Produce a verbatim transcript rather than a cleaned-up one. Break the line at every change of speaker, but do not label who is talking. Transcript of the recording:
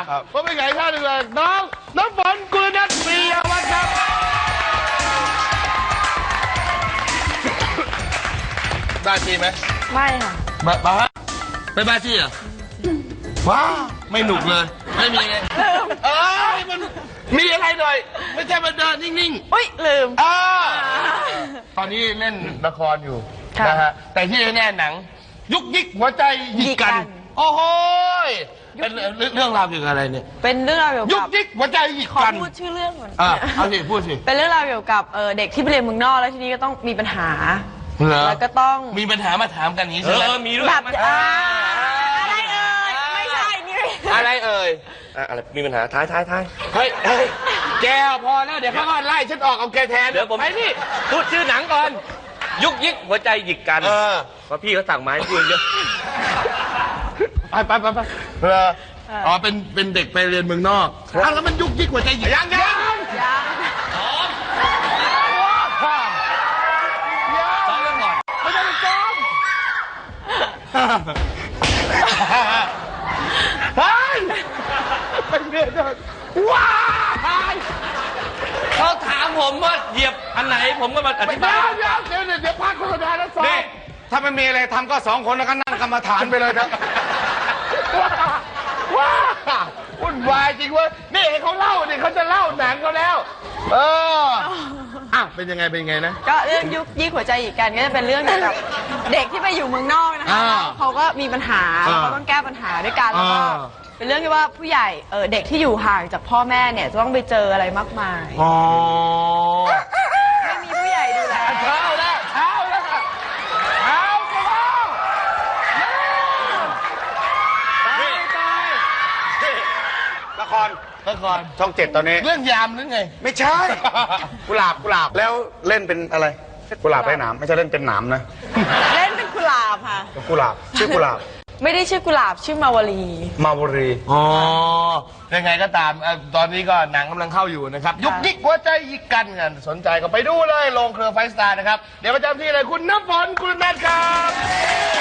ก็ไม่ไงท่านเลยน้องน้องฝนกุลนัทปิยวัฒน์ครับบ้าจีไหม
ไม่ค่ะ
บ้าบ้าไม่บ้าจีเหรอว้าไม่หนุกเลยไม่มีไงเอ้ยมันมีอะไรหน่อยไม่ใช่มาเดินนิ่งๆ
อุ้ยลืม
อ่าตอนนี้เล่นละครอยู่นะฮะแต่ที่แน่หนังยุกยิกหัวใจหยิกกันโอ้โหเป็นเรื่องราวเกี่ยวกับอะไรเนี่ย
เป็นเรื่องราวเกี่ยวกับ
ยุกยิกหัวใจหยิกกัน
ขอพูดชื่อเรื่องก่อน
อ่าเอาสิพูดสิ
เป็นเรื่องราวเกี่ยวกับเด็กที่ไปเรียนเมืองนอกแล้วทีนี้ก็ต้องมีปัญหาแล้วก็ต้อง
มีปัญหามาถามกันนี้ใช่ไหม
เออมีด้วย
แบบอะไรเอ่ยไม่ใช่นี่
อะไรเอ่ย
อะไรมีปัญหาท้ายท้ายท้าย
เฮ้ยเฮ้ยแกพอแล้วเดี๋ยวเขาก็ไล่ฉันออกเอาแกแทน
เดี๋ยวผม
ไปนี่
พูดชื่อหนังก่อนยุกยิกหัวใจหยิกกันเพราะพี่เขาสั่งไม้พูดเยอะ
ไปไปไปไปเอออ๋อเป็นเป็นเด็กไปเรียนเมืองนอกอ้าวแล้วมันยุกยิกหัวใจหยิกยังยังยัง
ซ้อมเรื่องก่อน
ไม่ได้ซ้อมเฮ้ยไปเรียนเดินว้าย
เขาถามผมว่าเหยียบอันไหนผมก็มาอธิบาย
เดี๋ยวเดี๋ยวเดี๋ยวเดี๋ยวพักโฆษณาแล้วซ้อมถ้าไม่มีอะไรทำก็สองคนแล้วก็นั่งกรรมฐานไปเลยครับว้าว้าวุ่นวายจริงเว้ยนี่เขาเล่านี่เขาจะเล่าหนังเขาแล้วเอออ่ะเป็นยังไงเป็นยังไงนะ
ก็เรื่องยุกยิกหัวใจหยิกกันก็จะเป็นเรื่องเกี่ยวกับเด็กที่ไปอยู่เมืองนอกนะคะเขาก็มีปัญหาเขาต้องแก้ปัญหาด้วยกันแล้วก็เป็นเรื่องที่ว่าผู้ใหญ่เออเด็กที่อยู่ห่างจากพ่อแม่เนี่ยจะต้องไปเจออะไรมากมาย
อ๋อ
ไม่มีผู้ใหญ่ดูแล
เช้าแล้วเช้าแล้วค่ะเช้าก็แล้วตายตาย
ละคร
ละคร
ช่องเจ็ดตอนนี้
เรื่องยามหรือไง
ไม่ใช่กุหลาบกุหลาบแล้วเล่นเป็นอะไรกุหลาบไร้หนามไม่ใช่เล่นเป็นหนามนะ
เล่นเป็นกุหลาบค่ะ
กุหลาบชื่อกุหลาบ
ไม่ได้ชื่อกุหลาบชื่อมาวลี
มาวลี
อ๋อยังไงก็ตามตอนนี้ก็หนังกำลังเข้าอยู่นะครับยุกยิกหัวใจยิกกันกันสนใจก็ไปดูเลยโรงเครือไฟสตาร์นะครับเดี๋ยวประจำที่เลยคุณน้ำฝนคุณนัทครับ